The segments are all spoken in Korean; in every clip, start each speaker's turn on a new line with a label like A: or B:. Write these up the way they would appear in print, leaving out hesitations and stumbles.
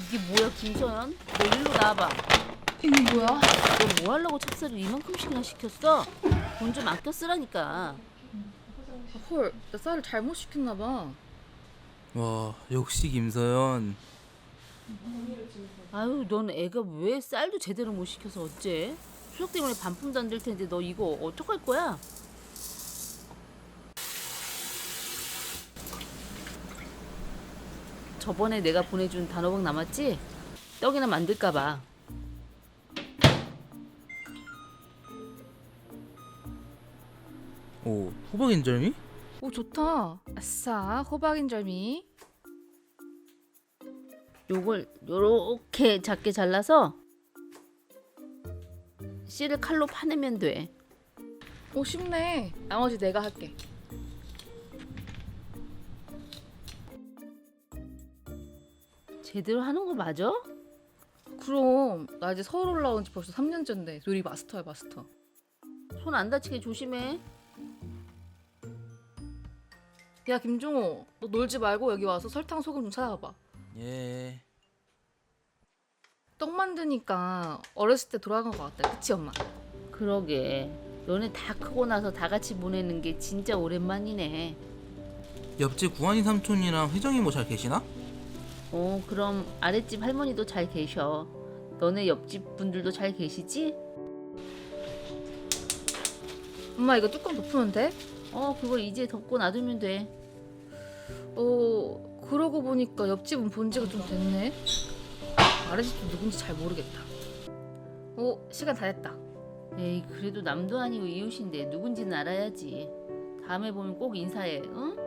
A: 이게 뭐야, 김서연? 너 일로 나와봐.
B: 이게 뭐야?
A: 너 뭐 하려고 찹쌀을 이만큼씩이나 시켰어? 돈 좀 아껴 쓰라니까.
B: 헐, 나 쌀을 잘못 시켰나 봐.
C: 와, 역시 김서연.
A: 아유, 넌 애가 왜 쌀도 제대로 못 시켜서 어째? 추석 때문에 반품도 안 될 텐데 너 이거 어떡할 거야? 저번에 내가 보내준 단호박 남았지? 떡이나 만들까 봐.
C: 오, 호박 인절미?
B: 오, 좋다. 아싸, 호박인절미.
A: 요걸 요렇게 작게 잘라서 씨를 칼로 파내면 돼.
B: 오, 쉽네. 나머지 내가 할게.
A: 제대로 하는 거 맞아?
B: 그럼 나 이제 서울 올라온 지 벌써 3년째인데 요리 마스터야, 마스터.
A: 손 안 다치게 조심해.
B: 야, 김종호, 너 놀지 말고 여기 와서 설탕, 소금 좀 찾아봐봐.
C: 예.
B: 떡 만드니까 어렸을 때 돌아간 것 같다. 그치, 엄마?
A: 그러게. 너네 다 크고 나서 다 같이 보내는 게 진짜 오랜만이네.
C: 옆집 구한이 삼촌이랑 혜정이 뭐 잘 계시나?
A: 그럼 아랫집 할머니도 잘 계셔. 너네 옆집 분들도 잘 계시지?
B: 엄마, 이거 뚜껑 덮으면 돼?
A: 그걸 이제 덮고 놔두면 돼.
B: 그러고 보니까 옆집은 본 지가 좀 됐네. 아랫집도 누군지 잘 모르겠다. 시간 다 됐다.
A: 에이, 그래도 남도 아니고 이웃인데 누군지는 알아야지. 다음에 보면 꼭 인사해, 응?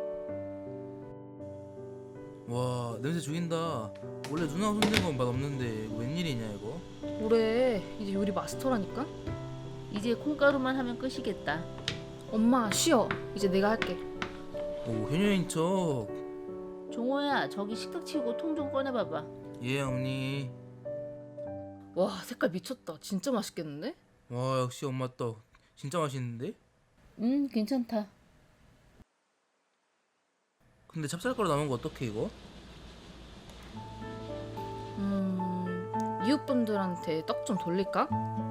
C: 와, 냄새 죽인다. 원래 누나 손댄 건 맛없는데 웬일이냐 이거?
B: 올해 이제 요리 마스터라니까?
A: 이제 콩가루만 하면 끝이겠다.
B: 엄마, 쉬어. 이제 내가 할게.
C: 오, 효녀인 척.
A: 종호야, 저기 식탁 치우고 통 좀 꺼내봐봐.
C: 예, 어머니.
B: 와, 색깔 미쳤다. 진짜 맛있겠는데?
C: 와, 역시 엄마 떡. 진짜 맛있는데?
A: 괜찮다.
C: 근데 찹쌀가루 남은 거 어떡해 이거?
B: 이웃분들한테 떡 좀 돌릴까?